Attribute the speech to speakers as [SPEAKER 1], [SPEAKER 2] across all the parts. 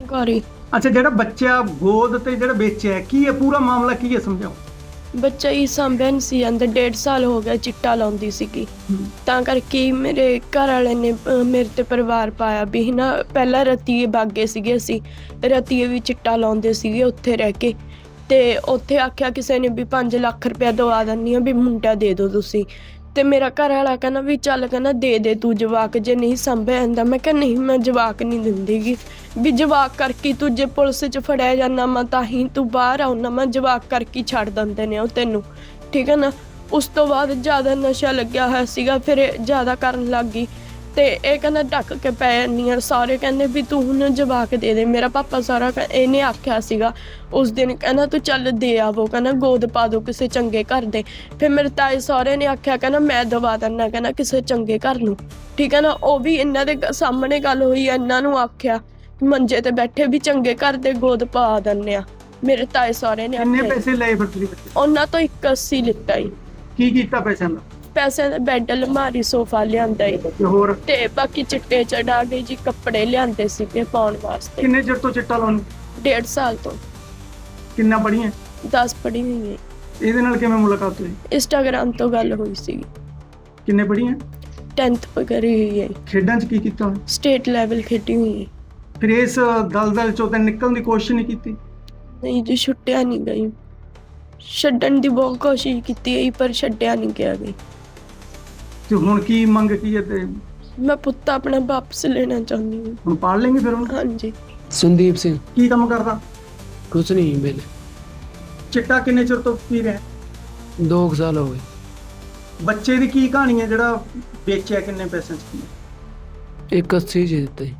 [SPEAKER 1] ਘਰ ਹੀ।
[SPEAKER 2] ਅੱਛਾ, ਜਿਹੜਾ ਬੱਚਾ ਗੋਦ ਤੇ ਜਿਹੜਾ ਵੇਚਿਆ ਕੀ ਹੈ, ਪੂਰਾ ਮਾਮਲਾ ਕੀ ਹੈ, ਸਮਝਾਓ।
[SPEAKER 1] ਬੱਚਾ ਹੀ ਸਾਂਭਿਆ ਨਹੀਂ ਸੀ ਜਾਂਦਾ, 1.5 ਸਾਲ ਹੋ ਗਿਆ ਚਿੱਟਾ ਲਾਉਂਦੀ ਸੀਗੀ। ਤਾਂ ਕਰਕੇ ਹੀ ਮੇਰੇ ਘਰ ਵਾਲੇ ਨੇ ਮੇਰੇ ਤੇ ਪਰਿਵਾਰ ਪਾਇਆ ਵੀ ਨਾ, ਪਹਿਲਾਂ ਰਤੀਏ ਬਾਗੇ ਸੀਗੇ, ਅਸੀਂ ਰਤੀਏ ਵੀ ਚਿੱਟਾ ਲਾਉਂਦੇ ਸੀਗੇ ਉੱਥੇ ਰਹਿ ਕੇ। ਤੇ ਉੱਥੇ ਆਖਿਆ ਕਿਸੇ ਨੇ ਵੀ 5 ਲੱਖ ਰੁਪਇਆ ਦਵਾ ਦਿੰਦੀ ਆ ਵੀ ਮੁੰਡਾ ਦੇ ਦਿਓ ਤੁਸੀਂ। ਤੇ ਮੇਰਾ ਘਰ ਵਾਲਾ ਕਹਿੰਦਾ ਵੀ ਚੱਲ, ਕਹਿੰਦਾ ਦੇ ਤੂੰ ਜਵਾਕ, ਜੇ ਨਹੀਂ ਸਾਂਭਿਆ ਜਾਂਦਾ। ਮੈਂ ਕਿਹਾ ਨਹੀਂ, ਮੈਂ ਜਵਾਕ ਨਹੀਂ ਦਿੰਦੀਗੀ, ਵੀ ਜਵਾਕ ਕਰਕੇ ਤੂੰ ਜੇ ਪੁਲਿਸ 'ਚ ਫੜਿਆ ਜਾਂਦਾ ਮੈਂ ਤਾਂ ਹੀ ਤੂੰ ਬਾਹਰ ਆਉਣਾ, ਮੈਂ ਜਵਾਕ ਕਰਕੇ ਛੱਡ ਦਿੰਦੇ ਨੇ ਉਹ ਤੈਨੂੰ, ਠੀਕ ਹੈ ਨਾ। ਉਸ ਤੋਂ ਬਾਅਦ ਜ਼ਿਆਦਾ ਨਸ਼ਾ ਲੱਗਿਆ ਹੋਇਆ ਸੀਗਾ, ਫਿਰ ਇਹ ਜ਼ਿਆਦਾ ਕਰਨ ਲੱਗ ਗਈ। ਤੇ ਇਹ ਕਹਿੰਦਾ ਢੱਕ ਕੇ ਪੈ ਜਾਂਦੀ ਆ, ਸਾਰੇ ਕਹਿੰਦੇ ਵੀ ਤੂੰ ਹੁਣ ਜਵਾਕ ਦੇ ਦੇ। ਮੇਰਾ ਪਾਪਾ ਸਾਰਾ ਇਹਨੇ ਆਖਿਆ ਸੀਗਾ ਉਸ ਦਿਨ, ਕਹਿੰਦਾ ਤੂੰ ਚੱਲ ਦੇ ਆਵੋ, ਕਹਿੰਦਾ ਗੋਦ ਪਾ ਦੋ ਕਿਸੇ ਚੰਗੇ ਘਰ ਦੇ। ਫਿਰ ਮੇਰੇ ਤਾਏ ਸਹੁਰੇ ਨੇ ਆਖਿਆ, ਕਹਿੰਦਾ ਮੈਂ ਦਵਾ ਦਿੰਦਾ, ਕਹਿੰਦਾ ਕਿਸੇ ਚੰਗੇ ਘਰ ਨੂੰ, ਠੀਕ ਹੈ ਨਾ। ਉਹ ਵੀ ਇਹਨਾਂ ਦੇ ਸਾਹਮਣੇ ਗੱਲ ਹੋਈ, ਇਹਨਾਂ ਨੂੰ ਆਖਿਆ ਮੰਜੇ ਤੇ ਬੈਠੇ ਵੀ ਚੰਗੇ ਘਰ ਦੇ ਗੋਦ ਪਾ ਦਿੰਦੇ ਆ। ਮੇਰੇ ਤਾਏ ਸਹੁਰੇ ਨੇ
[SPEAKER 2] ਕਿੰਨੇ
[SPEAKER 1] ਆਖਿਆ।
[SPEAKER 2] ਪੈਸੇ ਲਏ ਫਿਰ ਤੁਸੀਂ ਬੱਚੇ?
[SPEAKER 1] ਉਹਨਾਂ ਤੋਂ 81 ਲਿੱਤਾ ਹੀ।
[SPEAKER 2] ਕੀ ਕੀਤਾ ਪੈਸਿਆਂ ਦਾ?
[SPEAKER 1] ਪੈਸੇ ਦਾ ਬੈੱਡ, ਅਲਮਾਰੀ, ਸੋਫਾ ਲਿਆਂਦਾ ਈ।
[SPEAKER 2] ਤੇ ਹੋਰ
[SPEAKER 1] ਤੇ ਬਾਕੀ ਚਿੱਟੇ ਚੜਾ ਕੇ ਜੀ ਕੱਪੜੇ ਲਿਆਂਦੇ ਸੀਗੇ ਪਾਉਣ ਵਾਸਤੇ।
[SPEAKER 2] ਕਿੰਨੇ ਚਿਰ ਤੋਂ ਚਿੱਟਾ ਲਾਉਣ?
[SPEAKER 1] 1.5 ਸਾਲ ਤੋਂ।
[SPEAKER 2] ਕਿੰਨਾ ਪੜੀਆਂ?
[SPEAKER 1] 10 ਪੜ੍ਹੀ ਹੋਈ ਹੈ।
[SPEAKER 2] ਇਹਦੇ ਨਾਲ ਕਿਵੇਂ ਮੁਲਾਕਾਤ ਹੋਈ?
[SPEAKER 1] ਇੰਸਟਾਗ੍ਰਾਮ ਤੋਂ ਗੱਲ ਹੋਈ ਸੀਗੀ।
[SPEAKER 2] ਕਿੰਨੇ ਪੜੀਆਂ?
[SPEAKER 1] 10th ਕਰੀ ਹੋਈ ਹੈ।
[SPEAKER 2] ਖੇਡਾਂ 'ਚ ਕੀ ਕੀਤਾ?
[SPEAKER 1] ਸਟੇਟ ਲੈਵਲ ਖੇਡੀ ਹੋਈ ਹੈ।
[SPEAKER 2] ਫਿਰ ਇਸ ਦਲਦਲ ਚੋਂ ਤਾਂ ਨਿਕਲਣ ਦੀ ਕੋਸ਼ਿਸ਼ ਨਹੀਂ ਕੀਤੀ?
[SPEAKER 1] ਨਹੀਂ ਜੀ, ਛੁੱਟਿਆ ਨਹੀਂ ਗਈ। ਛੱਡਣ ਦੀ ਬਹੁਤ ਕੋਸ਼ਿਸ਼ ਕੀਤੀ ਹੈ ਪਰ ਛੱਡਿਆ ਨਹੀਂ ਗਿਆ ਗਈ।
[SPEAKER 2] ਤੇ ਹੁਣ ਕੀ ਮੰਗ ਕੀ ਹੈ? ਤੇ
[SPEAKER 1] ਮੈਂ ਪੁੱਤ ਆਪਣਾ ਵਾਪਸ ਲੈਣਾ ਚਾਹੁੰਦੀ ਹਾਂ।
[SPEAKER 2] ਹੁਣ ਪਾੜ ਲੈਂਗੇ ਫਿਰ ਹੁਣ?
[SPEAKER 1] ਹਾਂਜੀ।
[SPEAKER 3] ਸੰਦੀਪ ਸਿੰਘ।
[SPEAKER 2] ਕੀ ਕੰਮ ਕਰਦਾ?
[SPEAKER 3] ਕੁਛ ਨਹੀਂ ਬਿਲ।
[SPEAKER 2] ਚਿੱਟਾ ਕਿੰਨੇ ਚਿਰ ਤੋਂ ਪੀ ਰਿਹਾ?
[SPEAKER 3] 2 ਸਾਲ ਹੋ ਗਏ।
[SPEAKER 2] ਬੱਚੇ ਦੀ ਕੀ ਕਹਾਣੀ ਹੈ ਜਿਹੜਾ ਵੇਚਿਆ, ਕਿੰਨੇ ਪੈਸਿਆਂ 'ਚ ਕੀ?
[SPEAKER 3] 81 ਜੀ ਦਿੱਤਾ ਜੀ।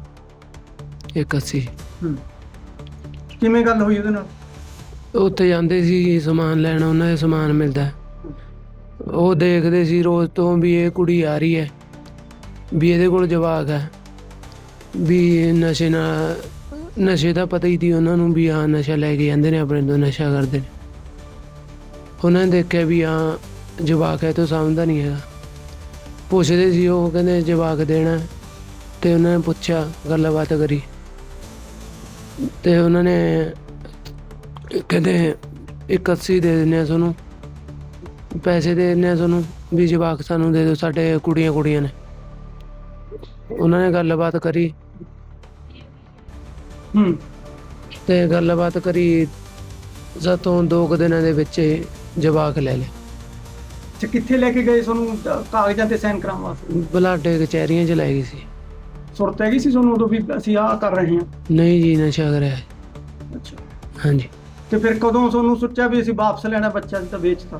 [SPEAKER 3] 81।
[SPEAKER 2] ਕਿਵੇਂ ਗੱਲ ਹੋਈ ਉਹਦੇ ਨਾਲ?
[SPEAKER 3] ਉੱਥੇ ਜਾਂਦੇ ਸੀ ਸਮਾਨ ਲੈਣ, ਉਹਨਾਂ ਦੇ ਸਮਾਨ ਮਿਲਦਾ, ਉਹ ਦੇਖਦੇ ਸੀ ਰੋਜ਼ ਤੋਂ ਵੀ ਇਹ ਕੁੜੀ ਆ ਰਹੀ ਹੈ, ਵੀ ਇਹਦੇ ਕੋਲ ਜਵਾਕ ਹੈ, ਵੀ ਨਸ਼ੇ ਦਾ ਪਤਾ ਹੀ ਸੀ ਉਹਨਾਂ ਨੂੰ ਵੀ ਹਾਂ ਨਸ਼ਾ ਲੈ ਕੇ ਜਾਂਦੇ ਨੇ, ਆਪਣੇ ਤੋਂ ਨਸ਼ਾ ਕਰਦੇ ਨੇ। ਉਹਨਾਂ ਨੇ ਦੇਖਿਆ ਵੀ ਹਾਂ ਜਵਾਕ ਹੈ, ਤੋਂ ਸਮਝਦਾ ਨਹੀਂ ਹੈਗਾ। ਪੁੱਛਦੇ ਸੀ, ਉਹ ਕਹਿੰਦੇ ਜਵਾਕ ਦੇਣਾ। ਤੇ ਉਹਨਾਂ ਨੇ ਪੁੱਛਿਆ, ਗੱਲਬਾਤ ਕਰੀ, ਤੇ ਉਹਨਾਂ ਨੇ ਕਹਿੰਦੇ 81 ਦੇ ਦਿੰਦੇ ਆ ਤੁਹਾਨੂੰ, ਪੈਸੇ ਦੇ ਦਿੰਦੇ ਆ ਤੁਹਾਨੂੰ, ਵੀ ਜਵਾਕ ਸਾਨੂੰ ਦੇ ਦਿਓ, ਸਾਡੇ ਕੁੜੀਆਂ ਨੇ। ਉਹਨਾਂ ਨੇ ਗੱਲਬਾਤ ਕਰੀ ਤੇ ਗੱਲਬਾਤ ਕਰੀ ਜਦੋਂ 2 ਦਿਨਾਂ ਦੇ ਵਿੱਚ ਜਵਾਕ ਲੈ ਲਿਆ।
[SPEAKER 2] ਅੱਛਾ, ਕਿੱਥੇ ਲੈ ਕੇ ਗਏ ਤੁਹਾਨੂੰ ਕਾਗਜ਼ਾਂ ਤੇ ਸਾਈਨ ਕਰਾਉਣ ਵਾਸਤੇ?
[SPEAKER 3] ਬਲਾਡੇ ਕਚਹਿਰੀਆਂ 'ਚ ਲੈ ਗਈ ਸੀ।
[SPEAKER 2] ਸੁਰਤ ਹੈਗੀ ਸੀ ਤੁਹਾਨੂੰ ਉਦੋਂ ਵੀ ਅਸੀਂ ਆਹ ਕਰ ਰਹੇ ਹਾਂ?
[SPEAKER 3] ਨਹੀਂ ਜੀ, ਨਸ਼ਾ ਕਰਿਆ।
[SPEAKER 2] ਅੱਛਾ।
[SPEAKER 3] ਹਾਂਜੀ।
[SPEAKER 2] ਤੇ ਫਿਰ ਕਦੋਂ ਤੁਹਾਨੂੰ ਸੋਚਿਆ ਵੀ ਅਸੀਂ ਵਾਪਸ ਲੈਣਾ ਬੱਚਾ, ਤਾਂ ਵੇਚਤਾ?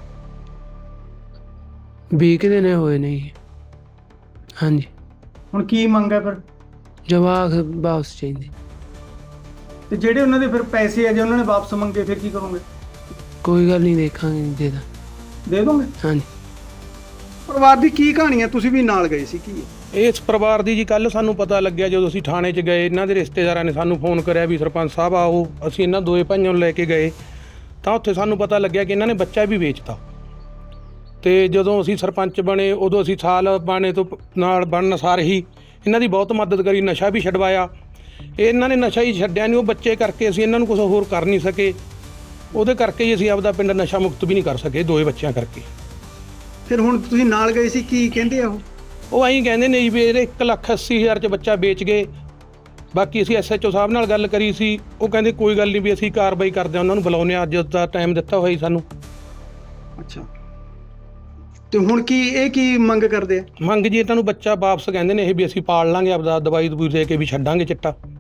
[SPEAKER 3] 20 ਦਿਨ ਹੋਏ ਨੇ ਜੀ। ਹਾਂਜੀ।
[SPEAKER 2] ਹੁਣ ਕੀ ਮੰਗ ਹੈ ਫਿਰ?
[SPEAKER 3] ਜਵਾਕ ਵਾਪਸ ਚਾਹੀਦੇ।
[SPEAKER 2] ਤੇ ਜਿਹੜੇ ਉਹਨਾਂ ਦੇ ਫਿਰ ਪੈਸੇ ਆ, ਜੇ ਉਹਨਾਂ ਨੇ ਵਾਪਸ ਮੰਗੇ ਫਿਰ ਕੀ ਕਰੋਗੇ?
[SPEAKER 3] ਕੋਈ ਗੱਲ ਨਹੀਂ, ਦੇਖਾਂਗੇ,
[SPEAKER 2] ਦੇ ਦੋਗੇ?
[SPEAKER 3] ਹਾਂਜੀ।
[SPEAKER 2] ਪਰਿਵਾਰ ਦੀ ਕੀ ਕਹਾਣੀ ਹੈ? ਤੁਸੀਂ ਵੀ ਨਾਲ ਗਏ ਸੀ, ਕੀ ਹੈ
[SPEAKER 4] ਇਸ ਪਰਿਵਾਰ ਦੀ ਜੀ? ਕੱਲ ਸਾਨੂੰ ਪਤਾ ਲੱਗਿਆ ਜਦੋਂ ਅਸੀਂ ਥਾਣੇ 'ਚ ਗਏ, ਇਹਨਾਂ ਦੇ ਰਿਸ਼ਤੇਦਾਰਾਂ ਨੇ ਸਾਨੂੰ ਫੋਨ ਕਰਿਆ ਵੀ ਸਰਪੰਚ ਸਾਹਿਬ ਆਓ। ਅਸੀਂ ਇਹਨਾਂ ਦੋਏ ਭਾਈਆਂ ਨੂੰ ਲੈ ਕੇ ਗਏ ਤਾਂ ਉੱਥੇ ਸਾਨੂੰ ਪਤਾ ਲੱਗਿਆ ਕਿ ਇਹਨਾਂ ਨੇ ਬੱਚਾ ਵੀ ਵੇਚਤਾ। ਤੇ ਜਦੋਂ ਅਸੀਂ ਸਰਪੰਚ ਬਣੇ, ਉਦੋਂ ਅਸੀਂ ਸਾਲ ਬਾਣੇ ਤੋਂ ਨਾਲ ਬਣਨ ਸਾਰ ਹੀ ਇਹਨਾਂ ਦੀ ਬਹੁਤ ਮਦਦ ਕਰੀ, ਨਸ਼ਾ ਵੀ ਛਡਵਾਇਆ। ਇਹਨਾਂ ਨੇ ਨਸ਼ਾ ਹੀ ਛੱਡਿਆ ਨਹੀਂ, ਉਹ ਬੱਚੇ ਕਰਕੇ ਅਸੀਂ ਇਹਨਾਂ ਨੂੰ ਕੁਝ ਹੋਰ ਕਰ ਨਹੀਂ ਸਕੇ। ਉਹਦੇ ਕਰਕੇ ਹੀ ਅਸੀਂ ਆਪਦਾ ਪਿੰਡ ਨਸ਼ਾ ਮੁਕਤ ਵੀ ਨਹੀਂ ਕਰ ਸਕੇ, ਦੋਏ ਬੱਚਿਆਂ ਕਰਕੇ।
[SPEAKER 2] ਫਿਰ ਹੁਣ ਤੁਸੀਂ ਨਾਲ ਗਏ ਸੀ, ਕੀ ਕਹਿੰਦੇ ਆ
[SPEAKER 4] ਉਹ ਐਂ ਕਹਿੰਦੇ ਨੇ ਜੀ ਵੀ ਇਹਦੇ 1,80,000 'ਚ ਬੱਚਾ ਵੇਚ ਗਏ। ਬਾਕੀ ਅਸੀਂ SHO ਸਾਹਿਬ ਨਾਲ ਗੱਲ ਕਰੀ ਸੀ, ਉਹ ਕਹਿੰਦੇ ਕੋਈ ਗੱਲ ਨਹੀਂ, ਵੀ ਅਸੀਂ ਕਾਰਵਾਈ ਕਰਦੇ ਹਾਂ, ਉਹਨਾਂ ਨੂੰ ਬੁਲਾਉਂਦੇ ਹਾਂ, ਅੱਜ ਦਾ ਟਾਈਮ ਦਿੱਤਾ ਹੋਇਆ ਜੀ ਸਾਨੂੰ।
[SPEAKER 2] ਅੱਛਾ, ਤੇ ਹੁਣ ਕੀ ਮੰਗ ਕਰਦੇ ਆ?
[SPEAKER 4] ਮੰਗ ਜੀ ਇਹਨਾਂ ਨੂੰ ਬੱਚਾ ਵਾਪਸ ਕਹਿੰਦੇ ਨੇ ਇਹ, ਵੀ ਅਸੀਂ ਪਾਲ ਲਾਂਗੇ, ਆਪਦਾ ਦਵਾਈ ਦਵੂਈ ਦੇ ਕੇ ਵੀ ਛੱਡਾਂਗੇ ਚਿੱਟਾ।